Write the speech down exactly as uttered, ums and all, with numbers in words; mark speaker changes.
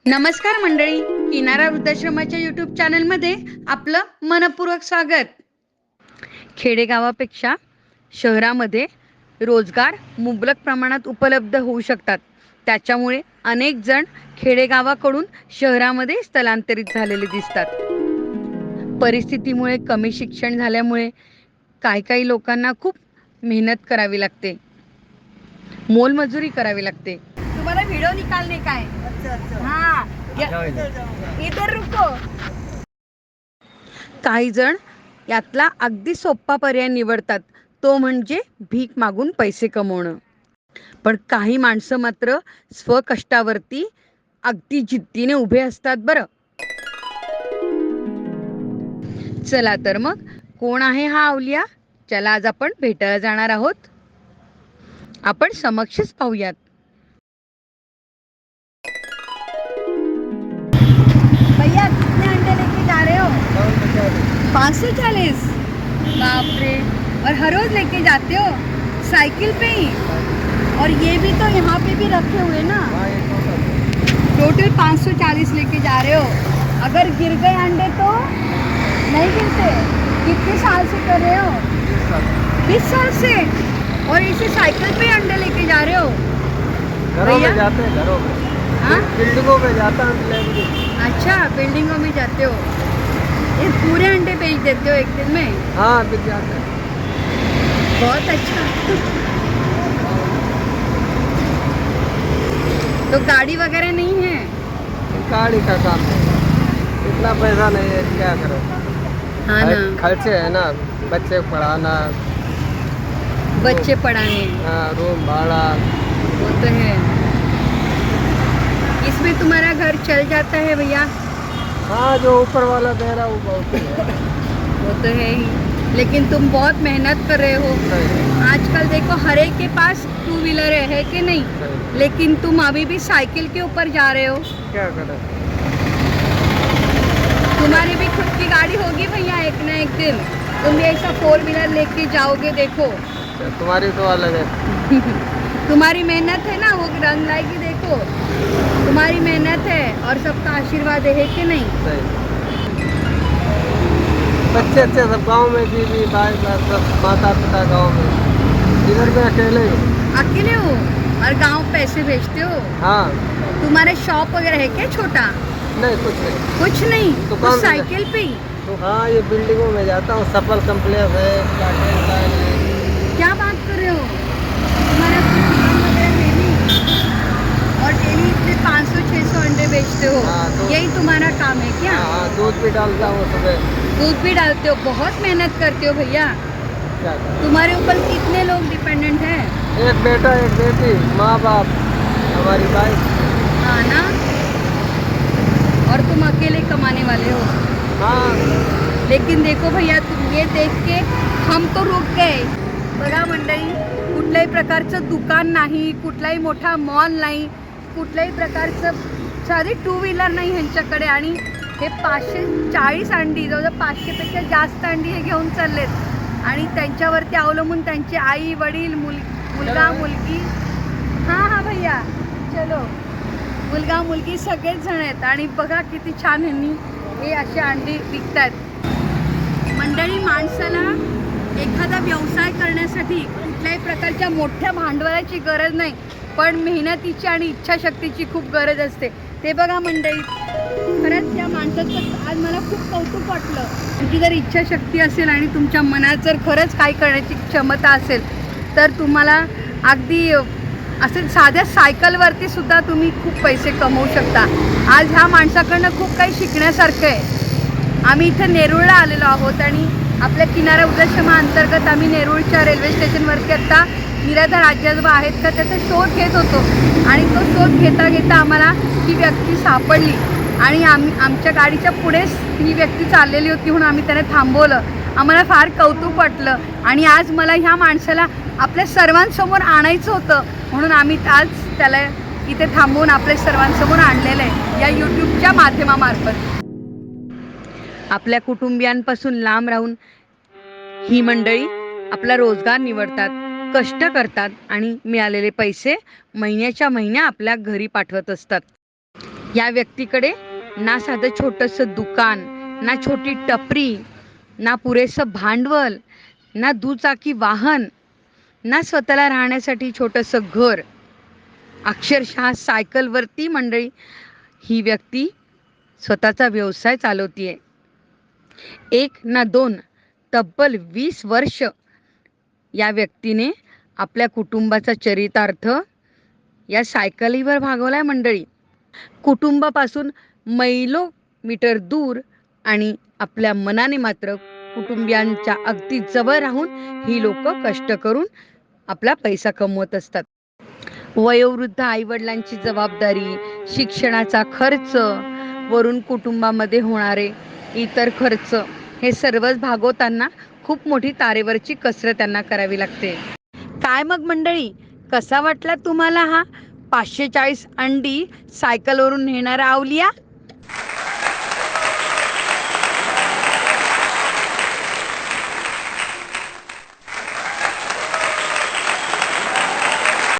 Speaker 1: नमस्कार मंडळी, किनारा वृद्धाश्रमाच्या यूट्यूब चॅनलमध्ये आपलं मनपूर्वक स्वागत. खेडेगावापेक्षा शहरामध्ये रोजगार मुबलक प्रमाणात उपलब्ध होऊ शकतात. त्याच्यामुळे अनेक जण खेडेगावाकडून शहरामध्ये स्थलांतरित झालेले दिसतात. परिस्थितीमुळे कमी शिक्षण झाल्यामुळे काही काही लोकांना खूप मेहनत करावी लागते, मोलमजुरी करावी लागते. तुम्हाला व्हिडिओ निकालने का है? अच्छा अच्छा हाँ, इधर रुको. काही जण यातला अगदी सोपा पर्याय निवडतात, तो म्हणजे भीक मागून पैसे कमवणं. पण काही माणसं मात्र स्वकष्टावरती अगदी जिद्दीने उभे असतात बरं. चला तर मग कोण आहे हा अवलिया, ज्याला आज आपण भेटायला जाणार आहोत. आपण समक्षच पाहूयात. भैया कितने अंडे लेके जा रहे हो? पाँच सौ चालीस. बाप रे. और हर रोज लेके जाते हो साइकिल पे ही? और ये भी तो यहाँ पे भी रखे हुए ना. टोटल पाँच सौ चालीस लेके जा रहे हो. अगर गिर गए अंडे तो नहीं गिरते. कितने साल से कर रहे हो? बीस साल से. और इसे साइकिल पे अंडे लेके जा रहे हो?
Speaker 2: घरों में जाते हैं, घरों में.
Speaker 1: हाँ?
Speaker 2: बिल्डिंगों में जाता हूँ.
Speaker 1: अच्छा, बिल्डिंगों में जाते हो. ये पूरे अंडे बेच देते हो एक दिन में?
Speaker 2: हाँ, बिक जाते हैं.
Speaker 1: बहुत अच्छा. तो गाड़ी वगैरह नहीं है?
Speaker 2: गाड़ी का काम है, इतना पैसा नहीं है, क्या करो.
Speaker 1: हाँ ना,
Speaker 2: खर्चे है ना, बच्चे को पढ़ाना,
Speaker 1: बच्चे पढ़ाने,
Speaker 2: हाँ, रूम भाड़ा.
Speaker 1: वो तो है. इसमें तुम्हारा घर चल जाता है भैया?
Speaker 2: हाँ, जो ऊपर वाला दे रहा वो बहुत है.
Speaker 1: वो तो है ही, लेकिन तुम बहुत मेहनत कर रहे हो. आजकल देखो हर एक के पास टू व्हीलर है, है कि नहीं? लेकिन तुम अभी भी साइकिल के ऊपर जा रहे हो.
Speaker 2: क्या करें.
Speaker 1: तुम्हारी भी खुद की गाड़ी होगी भैया एक ना एक दिन. तुम भी ऐसा फोर व्हीलर लेके जाओगे. देखो
Speaker 2: तुम्हारी तो अलग है.
Speaker 1: तुम्हारी मेहनत है ना, वो रंग लाएगी. देखो तुम्हारी मेहनत है और सबका आशीर्वाद है कि नहीं?
Speaker 2: सही. बच्चे अच्छे सब गांव में, बीवी भाई सब माता पिता गांव में. इधर में अकेले ही.
Speaker 1: अकेले हो और गांव पैसे भेजते हो?
Speaker 2: हाँ.
Speaker 1: तुम्हारे शॉप वगैरह है क्या छोटा?
Speaker 2: नहीं, कुछ नहीं.
Speaker 1: कुछ नहीं.
Speaker 2: दुकान
Speaker 1: तो
Speaker 2: में
Speaker 1: साइकिल पे ही?
Speaker 2: तो हाँ, ये बिल्डिंगों में जाता हूँ. सफल कम्प्लेक्स है, गार्डन लाइन है.
Speaker 1: क्या बात कर रहे हो? तुम्हारा कोई दुकान वगैरह है नहीं और डेली इतने पाँच सौ छः सौ अंडे बेचते हो?
Speaker 2: हाँ, तो-
Speaker 1: यही तुम्हारा काम है क्या?
Speaker 2: हाँ, दूध भी डालता हूँ सुबह.
Speaker 1: दूध भी डालते हो. बहुत मेहनत करते हो भैया.
Speaker 2: क्या करें.
Speaker 1: तुम्हारे ऊपर कितने लोग डिपेंडेंट हैं?
Speaker 2: एक बेटा, एक बेटी, माँ बाप, हमारी वाइफ.
Speaker 1: हाँ ना. और तुम अकेले कमाने वाले हो.
Speaker 2: हाँ.
Speaker 1: लेकिन देखो भैया, तुम ये देख के हम तो रुक गए. बघा मंडळी, कुठल्याही प्रकारचं दुकान नाही, कुठलाही मोठा मॉल नाही, कुठल्याही प्रकारचं साधी टू व्हीलर नाही ह्यांच्याकडे. आणि हे पाचशे चाळीस अंडी, जवळजवळ पाचशेपेक्षा जास्त अंडी हे घेऊन चाललेत. आणि त्यांच्यावरती अवलंबून त्यांचे आई वडील, मुल मुलगा मुलगी. हां हां भैया चलो. मुलगा मुलगी सगळेच जण आहेत. आणि बघा किती छान ह्यांनी हे असे अंडी विकतात. मंडळी, माणसाला एखादा व्यवसाय करण्यासाठी कुठल्याही प्रकारच्या मोठ्या भांडवलाची गरज नाही, पण मेहनतीची आणि इच्छाशक्तीची खूप गरज असते. ते बघा मंडळी, खरंच या माणसाचं आज मला खूप कौतुक वाटलं. तुमची जर इच्छाशक्ती असेल आणि तुमच्या मनात जर खरंच काही करण्याची क्षमता असेल तर तुम्हाला अगदी असं साध्या सायकलवरती सुद्धा तुम्ही खूप पैसे कमवू शकता. आज ह्या माणसाकडनं खूप काही शिकण्यासारखं आहे. आम्ही इथं नेरूळला आलेलो आहोत आणि आपल्या किनारा वृद्धाश्रमाअंतर्गत आम्ही नेरूळच्या रेल्वे स्टेशनवरती आत्ता निराधार आजी-आजोबा आहेत का त्याचा शोध घेत होतो. आणि तो शोध घेता घेता आम्हाला ही व्यक्ती सापडली आणि आम्ही आमच्या गाडीच्या पुढेच ही व्यक्ती चाललेली होती म्हणून आम्ही त्याला थांबवलं. आम्हाला फार कौतुक वाटलं आणि आज मला ह्या माणसाला आपल्या सर्वांसमोर आणायचं होतं म्हणून आम्ही आज त्याला इथे थांबवून आपल्या सर्वांसमोर आणलेलं आहे या यूट्यूबच्या माध्यमामार्फत. आपल्या कुटुंबियांपासून लांब राहून ही मंडळी आपला रोजगार निवडतात, कष्ट करतात आणि मिळालेले पैसे महिन्याच्या महिन्या आपल्या घरी पाठवत असतात. या व्यक्तीकडे ना साधं छोटंसं दुकान, ना छोटी टपरी, ना पुरेसं भांडवल, ना दुचाकी वाहन, ना स्वतःला राहण्यासाठी छोटंसं घर. अक्षरशः सायकलवरती मंडळी ही व्यक्ती स्वतःचा व्यवसाय चालवतीये. एक ना दोन, तब्बल वीस वर्ष या व्यक्तीने आपल्या कुटुंबाचा चरितार्थ या सायकलीवर भागवलाय मंडळी. कुटुंबापासून मैलो मीटर दूर आणि आपल्या मनाने मात्र कुटुंबियांच्या अगदी जवळ राहून ही लोक कष्ट करून आपला पैसा कमवत असतात. वयोवृद्ध आईवडिलांची जबाबदारी, शिक्षणाचा खर्च, वरून कुटुंबामध्ये होणारे इतर खर्च, हे सर्वच भागवताना खूप मोठी तारेवरची कसरत त्यांना करावी लागते. काय मग मंडळी, कसा वाटला तुम्हाला हा पाचशे चाळीस अंडी सायकलवरून नेणारा अवलिया?